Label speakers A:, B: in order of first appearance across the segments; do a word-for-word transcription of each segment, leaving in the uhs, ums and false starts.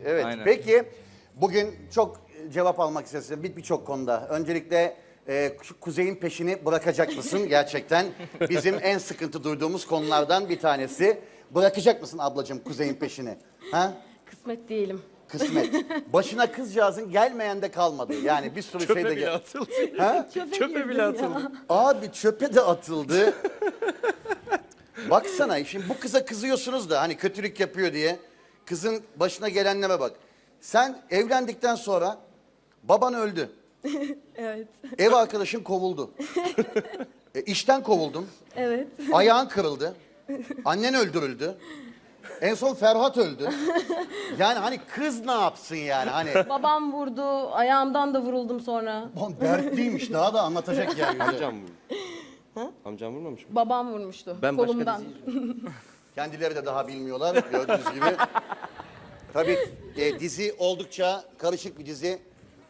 A: Evet.
B: Aynen.
A: Peki bugün çok cevap almak istiyorsun bir birçok konuda. Öncelikle e, şu Kuzey'in peşini bırakacak mısın? Gerçekten bizim en sıkıntı duyduğumuz konulardan bir tanesi. Bırakacak mısın ablacığım Kuzey'in peşini? Ha?
C: Kısmet değilim.
A: Kısmet. Başına kızcağızın gelmeyen de kalmadı. Yani bir sürü şey
B: Çöpe
A: de
B: bile
A: gel.
B: atıldı.
A: Ha?
C: Çöpe,
B: Çöpe
C: girdim
B: bile
C: ya.
B: atıldı.
A: Abi çöpe de atıldı. Baksana şimdi bu kıza kızıyorsunuz da hani kötülük yapıyor diye. Kızın başına gelenlere bak. Sen evlendikten sonra baban öldü.
C: Evet.
A: Ev arkadaşın kovuldu. E, işten kovuldun.
C: Evet.
A: Ayağın kırıldı. Annen öldürüldü. En son Ferhat öldü. Yani hani kız ne yapsın yani hani.
C: Babam vurdu. Ayağımdan da vuruldum sonra.
A: Oğlum dertliymiş daha da anlatacak yani.
D: Amcam vurdu. Amcam vurmamış mı?
C: Babam vurmuştu.
D: Ben başka
C: kolumdan.
D: dizi
A: Kendileri de daha bilmiyorlar gördüğünüz gibi. Tabii e, dizi oldukça karışık bir dizi.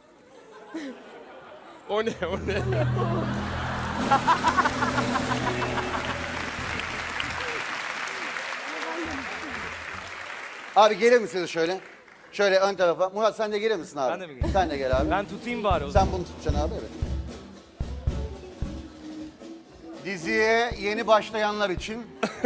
D: O ne o ne?
A: Abi gelir misiniz şöyle? Şöyle ön tarafa. Murat sen de gelir misin abi?
B: Ben de mi geleyim?
A: Sen de gel abi.
B: Ben tutayım bari o zaman.
A: Sen bunu tutacaksın abi evet. Diziye yeni başlayanlar için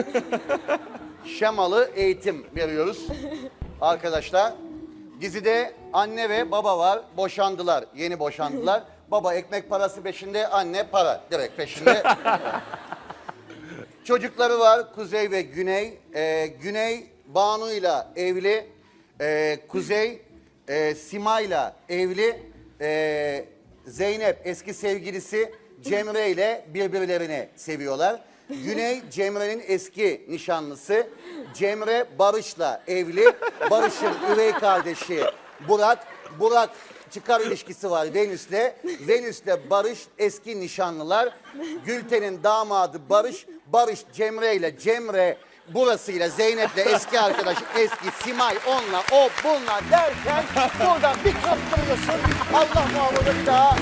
A: şemalı eğitim veriyoruz. Arkadaşlar dizide anne ve baba var. Boşandılar. Yeni boşandılar. Baba ekmek parası peşinde, anne para direkt peşinde. Çocukları var Kuzey ve Güney. Ee, Güney Banu'yla evli. Ee, Kuzey e, Sima'yla evli. Ee, Zeynep eski sevgilisi Cemre ile birbirlerini seviyorlar. Güney Cemre'nin eski nişanlısı. Cemre Barış'la evli. Barış'ın üvey kardeşi Burak. Burak çıkar ilişkisi var Venüs'le. Venüs'le Barış eski nişanlılar. Gülten'in damadı Barış. Barış Cemre ile Cemre burasıyla Zeynep'le eski arkadaş eski Simay onunla o bununla derken buradan bir kaptırıyorsun. Allah muhafaza bir daha.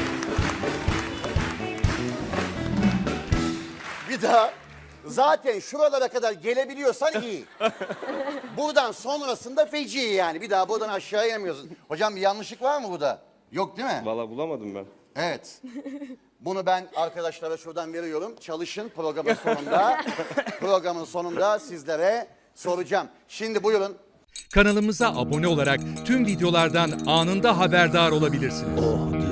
A: Bir daha. Zaten şuralara kadar gelebiliyorsan iyi. Buradan sonrasında feci yani. Bir daha buradan aşağı inemiyorsun. Hocam bir yanlışlık var mı burada? Yok değil mi?
D: Valla bulamadım ben.
A: Evet. Bunu ben arkadaşlara şuradan veriyorum. Çalışın programın sonunda. Programın sonunda sizlere soracağım. Şimdi buyurun.
E: Kanalımıza abone olarak tüm videolardan anında haberdar olabilirsiniz.